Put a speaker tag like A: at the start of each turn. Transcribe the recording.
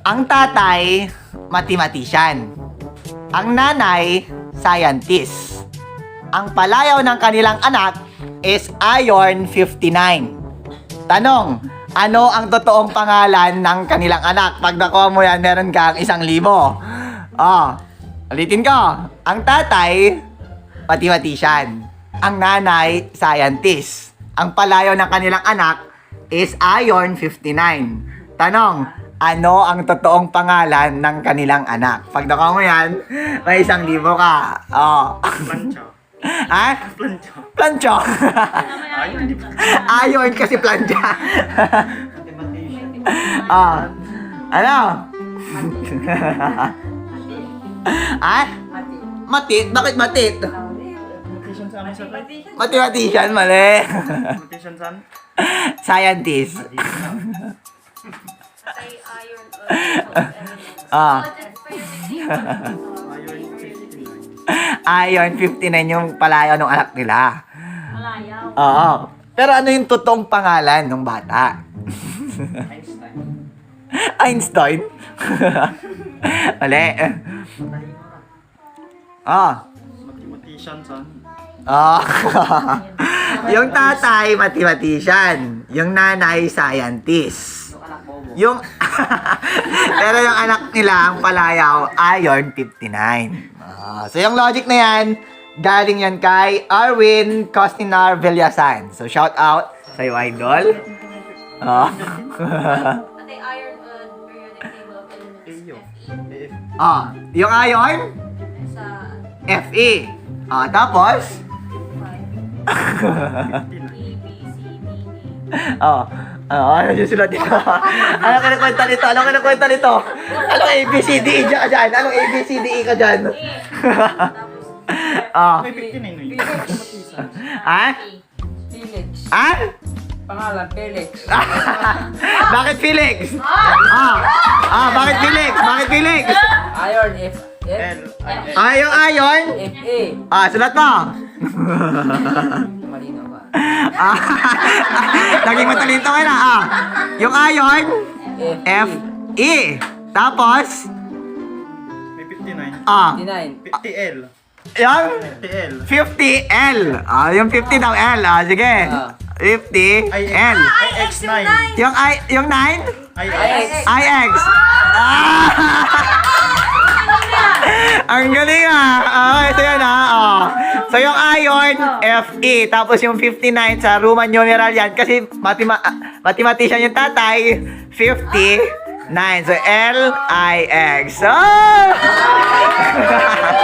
A: Ang tatay, mathematician. Ang nanay, scientist. Ang palayaw ng kanilang anak is Iron 59. Tanong, ano ang totoong pangalan ng kanilang anak? Pag nakuha mo yan, meron kang 1,000. Ulitin ko. Ang tatay, mathematician. Ang nanay, scientist. Ang palayaw ng kanilang anak is Iron 59. Tanong, ano ang totoong pangalan ng kanilang anak? Pag nakuha mo yan, may 1,000 ka.
B: Plancha.
A: Ha?
B: Plancha.
A: Plancho.
B: Ayun, di ba?
A: Iron kasi plancha. Ano? Ha? Matit? Bakit matit?
B: Mathematician sa amin sa
A: Mathematician, mali.
B: Mathematician saan?
A: Scientist.
C: Ay, iron
A: Ah.
B: Ayun, 59.
A: Iron 59 yung palayaw ng anak nila.
C: Malayaw.
A: Oo. Pero ano yung totoong pangalan ng bata?
B: Einstein.
A: Einstein? Mali.
B: Mathematician saan?
A: Yung tatay, mathematician. Yung nanay, scientist. Yung pero yung anak nila, ang palayaw, Iron 59. So yung logic na yan, galing yan kay Arwin Costinar Villasan. So shout out sa'yo, idol.
C: Ate, iron periodic table of elements.
B: Eyo.
C: Fe.
A: Yung iron,
C: Sa
A: Fe. Tapos,
C: 5. E, B, C, D, E.
A: ano yung sulat dito? Ano kinakwenta nito? Ano kinakwenta nito? Anong ABCDE ka dyan? Anong ABCDE ka dyan?
C: Tapos,
B: May 59 na yun. Mathematician.
A: Ha?
D: Felix.
A: Ha?
D: Pangalan, Felix.
A: Bakit Felix? Bakit Felix? Bakit Felix?
D: Iron, F.
B: L.
A: Ayon?
D: F, A.
A: Sulat mo.
D: Malinaw ba?
A: Naging matalino ka na. Yung ayon,
D: F,
A: F, E. Tapos,
B: May 59.
D: 59.
B: 50L.
A: yung
B: 50L.
A: 50L. Yung 50 daw L. Sige. 50L.
B: IX9.
A: Yung 9?
B: IX.
A: IX. Ang galing ito yan So yung iron, Fe. Tapos yung 59 sa Roman numeral yan. Kasi mathematician yung tatay. 59. So L-I-X.